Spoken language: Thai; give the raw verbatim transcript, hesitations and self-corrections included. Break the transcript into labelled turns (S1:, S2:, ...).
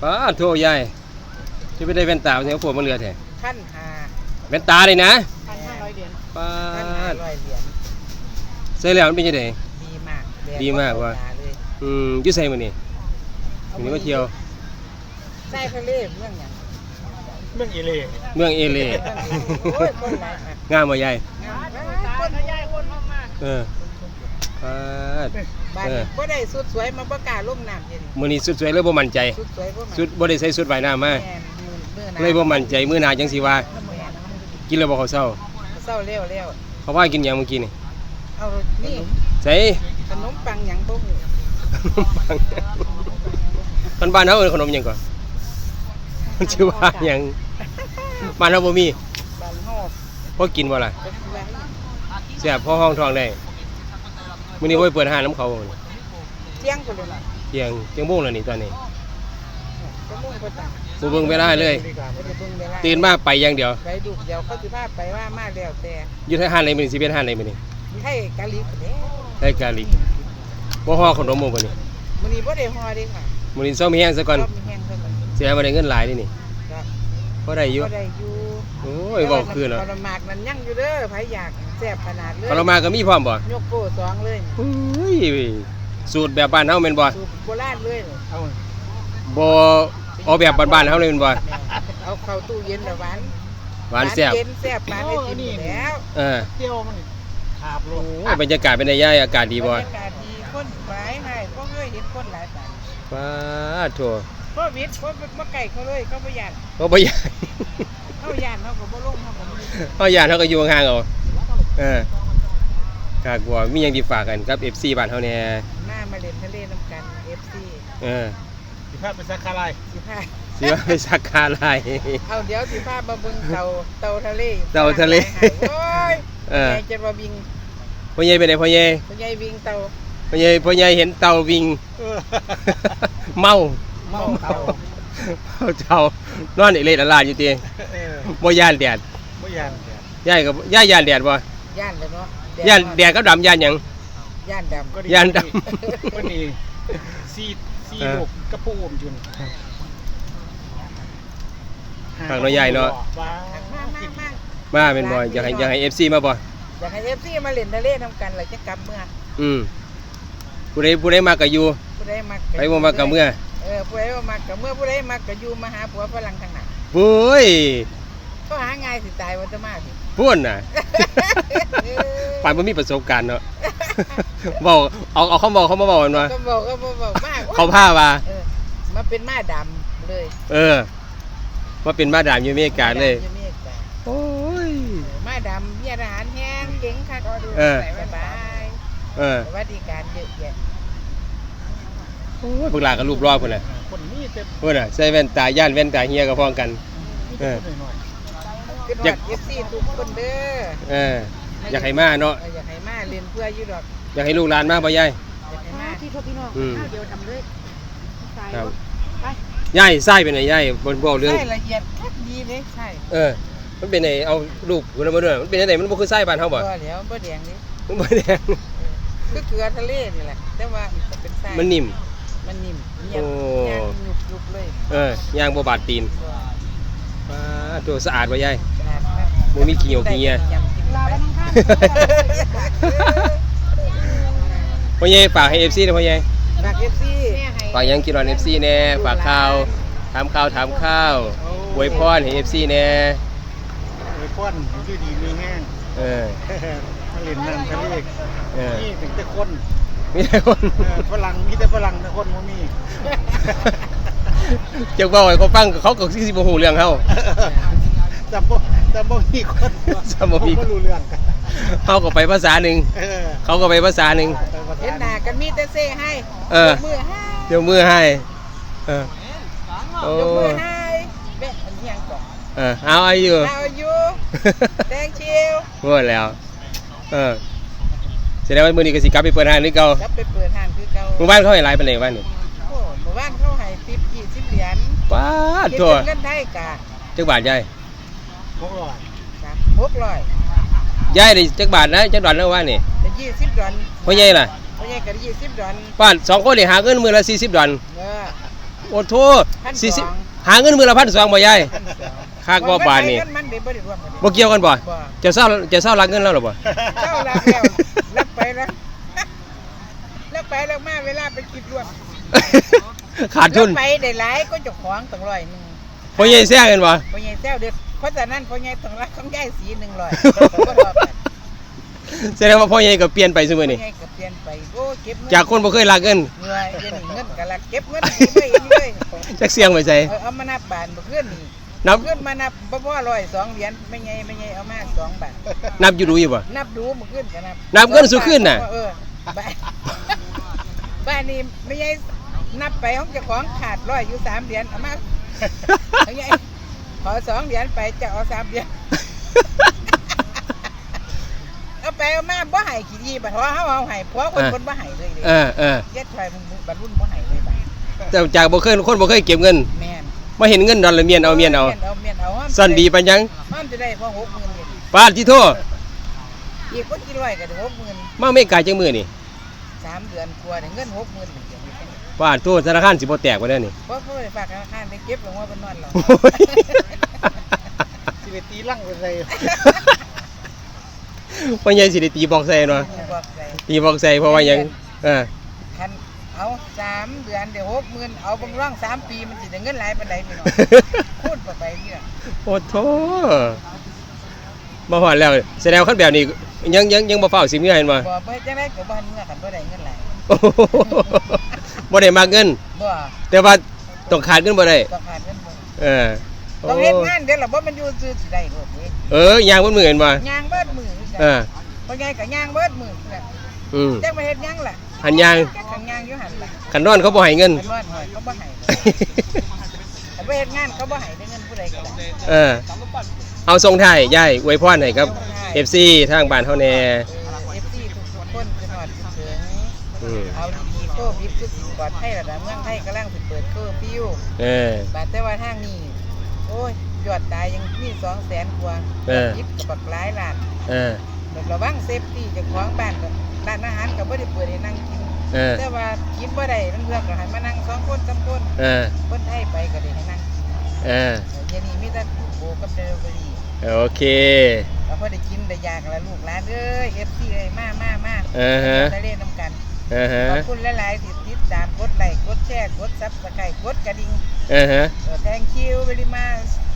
S1: ป้าโทษยายจะไปได้แว่นตาเสียงฝนมาเรือแท้
S2: ขั้นหา
S1: แว่นตาเลยนะ
S2: พันห้าร้อยเหรียญ
S1: ป้า
S2: ขั้นห้าร้อยเหรียญ
S1: ใส่แล้วมันเป็นยังไง
S2: ดีมาก
S1: ดีมากว่ะอืมยุ่ใส่มันนี่วันนี้มาเที่ยว
S2: ใส่ทะเลเมืองอย่าง
S3: เมืองเอเล่
S1: เมืองเอเล่งามมาใหญ่
S2: คนใหญ่คนมาก
S1: เออ
S2: บ้านบ่ได้สุดสวยมาประกาศลงน้ำเย็น
S1: มื้อนี้สุดสวยเลยบ่มั่นใจ
S2: สุดสวยบ่
S1: สุดบ่ได้ใส่สุดว่ายน้ำมาเลยบ่มั่นใจมื้อหน้าจังสิว่ากินแล้วบ่เขาเศร้า
S2: เศร้าเร็วเร็ว
S1: เขาว่ากินหยังเมื่อกี้นี่
S2: เอานี่
S1: ใส่
S2: ขนมปังหยังบ่ฮู้
S1: คนบ้านเฮาเอิ้นขนมหยังก่อนมันชื่อว่าหยังบ้านเฮาบ่มี
S2: บ้านเฮา
S1: พอกินบ่ล่ะแซ่บพอห้องท้องได้มื้อนี้บ่เปิดห้างน้ำเขา
S2: เที่ยงพุ่นเลย
S1: เที่ยงเที่ยงโมงแล้วนี่ตอนนี้
S2: ชั่วโมงกว่าจ้ะ
S1: บ่เบิ่งเวลาเลยตื่นมาไปอย่างเดียว
S2: ไปดูเดี๋ยวเขาสิพาไปว่ามาแล้วแต่
S1: อยู่ที่ห้างไหนมื้อนี้สิเป็นห้างไหนมื้อนี้
S2: ให้กะลิกเด้
S1: ให้กะลิกบ่ฮ้อขนมบ่มื้อนี้
S2: มื้อนี้บ่ได้ฮ้อเด้ค่ะ
S1: มื้อนี้เซามีแห้งซะก่อน
S2: มีแห้งซะก่อน
S1: เสียบ่ได้เงินหลายนี่นี่บ่ได้อยู่
S2: บ่ได้อยู่
S1: โอ้ยเว้าคืนแล้ว
S2: ปรมากนั้นยังอยู่เด้อไผอยากแซ่บขนาดเลย
S1: ปรมากก็มีพร้อมบ่
S2: ยกโป้สองเลย
S1: โอ้ยสูตรแบบบ้านเฮาแม่นบ่
S2: สูตรโบราณเลยเอา
S1: บ่เอาแบบบ้านๆเฮาเลยแม่นบ่
S2: เอาเข้าตู้เย็นแล้วหวาน
S1: หวานแซ่บ
S2: เย็นแซ่บปานได้กินแล้ว
S1: เออ
S3: เที่ยวมันขาบลง
S1: โอ้ยบรรยากาศเป็นไงยายอากาศดีบ่
S2: บรรยากาศดีคนหลายให้บ่เคยเห็นคนหลายปาน
S1: ป้าโธ่
S2: โควิดคนบ่ไกลเขาเลยเขาบ่ย่าน
S1: เขาบ่ย่าน
S2: เขาย่านเขาก็บ่ลงเขาก็บ่
S1: เขาย่านเขาก็อยู่ห่างๆเอาเออถ้ากลัวมีหยังสิฝากกันกับ เอฟ ซี บ้านเฮาแน่
S2: หน้ามาเล่นทะเลน้ำกัน เอฟ ซี
S1: เออ
S3: สิพาไปสักคาไล
S2: สิพา
S1: สิว่าไปสักคาไล
S2: เอาเดี๋ยวสิพามาเบิ่งเต่าเต่าทะเล
S1: เต่าทะเล
S2: โอ้ยเออจะมาวิ่ง
S1: พ่อใหญ่ไปไหนพ่อใหญ่
S2: พ่อใหญ่วิ่งเต่า
S1: พ่อใหญ่พ่อใหญ่เห็นเต่าวิ่งเมา
S3: เมาเต่า
S1: เต่านอนอีเล่ละลาอยู่ติบ่ย่านแดด
S3: บ่ย่าน
S1: ยายก็ยายย่านแดดบ่
S2: ย่านเลยเนาะ
S1: ย่านแดดกับดำย่านหยัง
S2: ย่านดำ
S1: ก็ย่านดำ
S3: วันนี้ซีซีลูกกระปูอมจุน
S1: ทางน้อยใหญ่เนาะมาเป็นบ่อยากให้อยากให้ เอฟ ซี มาบ่
S2: อยากให้ เอฟ ซี มาเล่นทะเลนำกันแล้วจะกลับเมื่อ
S1: อืมผู้ใดผู้ใดมาก็อยู่
S2: ผู้ใดมา
S1: ไปบ่มาก็เมื่อ
S2: เออผู้ใดบ่มาก็เมื่อผู้ใดมาก็อยู่มาหาผัวฝรั่งข้างหน้า
S1: โอ้ย
S2: ก็หาง่ายสิตายบ่จะมาสิ
S1: พูดน่ะปานบ่มีประสบการณ์เนาะเว้าเอาเอาเขาบอกเขามาบอกกันว่า
S2: ก็บอกก็บอกมาก
S1: เขาพาว่า
S2: เออมาเป็นม้าดำเลย
S1: เออมาเป็นม้าดำอยู่อเมริกาเลยโอ้ย
S2: ม้าดำมีอาหารแห้งเก่งคัก
S1: เออ
S2: สบาย
S1: เออ
S2: สวัสดิการเยอะแยะ
S1: โอ้ยพวกหลานก็รูปรอบพุ่นน่ะ
S3: คนนี้เต็ม
S1: พุ่นน่ะใส่แว่นตาย่านแว่นตาเฮียก็พ้องกันเออ
S2: อยาก เอฟ ซี ทุกคนเด้อ
S1: เอออยากให้มาเนาะ
S2: อยากให้มาเรียนเพื่ออยู่ดอก
S1: อยากให้ลูกหลานมาบ่ยาย
S2: อยากให้มาที่พ่อพี่น้องเดียวทำเลย
S1: ครับไปยายไส้เป็นไงยายบ่บ่เรื่อง
S2: ไส้ละเอียดคักดีเลยใช่
S1: เออมันเป็นไงเอาลูกพุ่นมาด้วยมันเป็นจังได๋มันบ่คือไส้บ้านเฮาบ่
S2: บ่แล้วบ่แดงนี่
S1: มันบ่แดง
S2: คือเกลือทะเลนี่แหละแต่ว่ามันเป็นไส้
S1: มันนิ่ม
S2: มันนิ่มเนียบย่างยุบๆเลย
S1: เออย่างบ่บาดตีนป้าตัวสะอาดบ่ยายบ่มีขี้เหนียวขี้เหี้ยพ่อใหญ่ฝากให้ เอฟ ซี นะพ่อใหญ่
S2: ฝาก เอฟ ซี
S1: ฝากยังกินรอน เอฟ ซี แน่ฝากข่าวถามข่าวถามข้าวอวยพรให้ เอฟ ซี แน่
S3: อวยพรอยู่ดีมีแห้ง
S1: เออ
S3: มาเล่นน้ำทะเล
S1: เออ
S3: นี่ถึงแต่คน
S1: มีแต่คน
S3: ฝรั่งมีแต่ฝรั่งแต่คนบ่มี
S1: จักเว้าให้เขาฟังเขาก็สิบ่ฮู้เรื่องเฮา
S3: จำบ่จำบ่มีคน
S1: จำบ่มี
S3: รู้เรื่องกัน
S1: เขาก็ไปภาษาหนึ่งเขาก็ไปภาษาหนึ่ง
S2: เห็นหน้ากันมีแต่เซ่ให้
S1: เออ
S2: มือให้
S1: เดี๋ยวมือให้เออ
S2: โอ้มือให้เบ๊ะอันนี้ยังก่อน
S1: เออเอาอายุ
S2: เอาอายุแดงเชียว
S1: หมดแล้วเออแสดงว่ามื้อนี้ก็สิกลับไปเปิดห้างหรือเก่าก
S2: ลับไปเปิดห้างคือเก่า
S1: หมู่บ้านเขาให้หลายปานใดบ้านนี่
S2: โอ้หมู่บ้านเขาให้สิบ ยี่สิบเหรียญ
S1: ป๊าดโต
S2: เงินไทยกะ
S1: จักบาทยาย
S3: หกร้อย
S2: ครับหกร้อย
S1: ยายได้จักบาทนะจักดอนแล้วว่านี่
S2: ได้ยี่สิบดอน
S1: พ่อใหญ่ล่ะ
S2: พ่อใหญ่ก็ได้ยี่สิบดอน
S1: ป้าสองคนนี่หาเงินมื้อละสี่สิบดอน
S2: เออ
S1: โอ้โท
S2: พัน
S1: สี่สิบ
S2: สอง
S1: หาเงินมือละพันสองบ่ยาย
S2: พันสอง
S1: คากบ่บาทนี่
S2: เงินมันได้บ่ได้รวมกัน
S1: บ่เกี่ยวกันบ่
S2: บ่
S1: จะเศร้าจะเศร้ารักเงินแล้วหรอบ่
S2: เจ้ารับแล้วรับไปแล้วรับไปแล้วมาเวลาไปคิดรวม
S1: ขาดทุน
S2: รับไปได้หลายก็เจ้าของตั้งร้อยหนึง
S1: พ่อใหญ่แซ่กันบ่
S2: พ่อใหญ่แซวเด็ดเพราะฉะนั้นพ่อใหญ่ต้องรักของยายสีหนึ่งร้อย
S1: แสดงว่าพ่อใหญ่ก็เปลี่ยนไปซุมื้อ
S2: พ่อ
S1: นี้
S2: ใหญ่ก็เปลี่ยนไปโอ้เก็บเงิน
S1: จากคนบ่เคยรักเงิน
S2: เงินเดี๋ยวนี้เงินก็รักเก็บเงินไม่เห็นเลย
S1: จักเสียงไว้ใส่
S2: เอาเอามานับบาทบ่เพื่อนนี่
S1: นับ
S2: เพื่อนมานับบ่พอร้อยสองเหรียญไม่ไงไม่ไงเอามาสองบาท
S1: นับอยู่ดูอยู่บ่
S2: นับดูบ่ขึ้นก็นับ
S1: นับเงินสู้ขึ้นน่ะ
S2: เออบ้านบ้านนี้ไม่ไงนับไปของเจ้าของขาดร้อยอยู่สามเหรียญเอามาไม่ไงขอสองเหรียญไปจะเอาสามเหรียญ เอาไปเอามาบ่ให้ขี้ดีบัดเพราะเฮาเอาให้เพราะคนคนบ่ให้เลยเด้
S1: เออเออ
S2: เย็ดไฟมึงบัดรุ่นบ่ให้เลยบัด
S1: แต่จากบ่เคยคนบ่เคยเก็บเงิน
S2: แม่น
S1: มาเห็นเงินดอลลาร์เมียนเอาเมียนเอา
S2: เอาเมียนเอา
S1: ซ่อนดีปานยัง
S2: มันจะได้พอหกหมื่นเงิน
S1: ปาดที่โทษ
S2: อีกคนกี่ร้อยก็ได้หกหมื่น
S1: มาไม่ไกลจังมือนี่
S2: สามเดือนกว่าได้เงินหกหมื่นเหมือนกัน
S1: ปาดโทษธนาคารสิบ่แตกบ่ได้นี่
S2: เพราะเพื่อฝากธนาคารได้เก็บลงว่าเป็นนอนหรอ
S3: สิไปตีลั่งไปใส่
S1: พ่อใหญ่สิได้ตีบอกใส่เนาะ
S2: บอกใจ
S1: ตีบอกใส่เพราะว่าหยังเออ
S2: คันเอาสามเดือนเดี๋ยวหกหมื่นเอาบังร่องสามปีมันสิได้เงินหลายปานใดพี่น้องพูดไปเนี่ย
S1: โอ้โธ่มาฮอดแล้วแสดงว่าคันแบบนี้ยังยังยังบ่ฟ้าวสิเมื่อเห็นบ่
S2: บ่ไปจังได๋ก็บ่ทันเมื่อกันบ่ได้เงินหลาย
S1: โอ้โหบ่ได้มากเงิน
S2: บ่
S1: แต่ว่าต้องขาดเงินบ่ได้
S2: ต้องขาดเงินบ่
S1: เออ
S2: ต้องเฮ็ดงานเดี๋ยวล่ะบ่มันอยู่ซื่อสิได้โลดนี้
S1: เออย่างบนมือเห็นบ่
S2: ย่างเบิดมือคือกัน
S1: เออ
S2: เพราะไงก็ย่างเบิดมือคือกัน
S1: อืม
S2: จักมาเฮ็ดหยังล่ะ
S1: หันย่าง
S2: จักขังย่างอยู่หั่นล่ะ
S1: คันนอนเขาบ่ให้เงิน
S2: คันนอนหอยเขาบ่ให้แต่ไปเฮ็ดงานเขาบ่ให้ได้เงินผู้ใดก็ได้
S1: เออ เอาทรงไทายยายอวยพรให้ครับ เอฟ ซี ทางบ้านเฮาแน่
S2: เอฟซีทุกๆคนคือฮอดคือถึง
S1: อืม
S2: เอาดีๆโควิดคือสิปลอดภัยระดับเมืองไทยกำลังสิเปิดเคอร์ฟิว
S1: เออ
S2: บาดแต่ว่าทางนี้โอ้ยยอดตายยังมีสองแสนกว่า
S1: เออ
S2: ยิบกับบักหลายล้าน
S1: เออ
S2: แบบระวังเซฟตี้เจ้าของบ้านก็ร้านอาหารก็บ่ได้เปิดให้นั่งกิน
S1: เออ
S2: แต่ว่ากินบ่ได้เรื่องก็ให้มานั่งสองคนสามคน
S1: เออ
S2: คนไทยไปก็ได้ให้นั่งกิน
S1: เออ
S2: เดี๋ยวนี้มีแต่โบกับเดลิเวอรี่
S1: โอเค
S2: แล้วพอได้กินได้อยากแล้วลูกหลานเอ้ย เอฟ ซี เอ้ยมามามา
S1: เออฮะ
S2: ทะเลน้ำกัน
S1: เออฮะ
S2: ขอบคุณหลายๆที่ติดตามกดไลค์กดแชร์กดซับสไครต์กดกระดิ่ง
S1: เออฮะ
S2: เออ thank you very much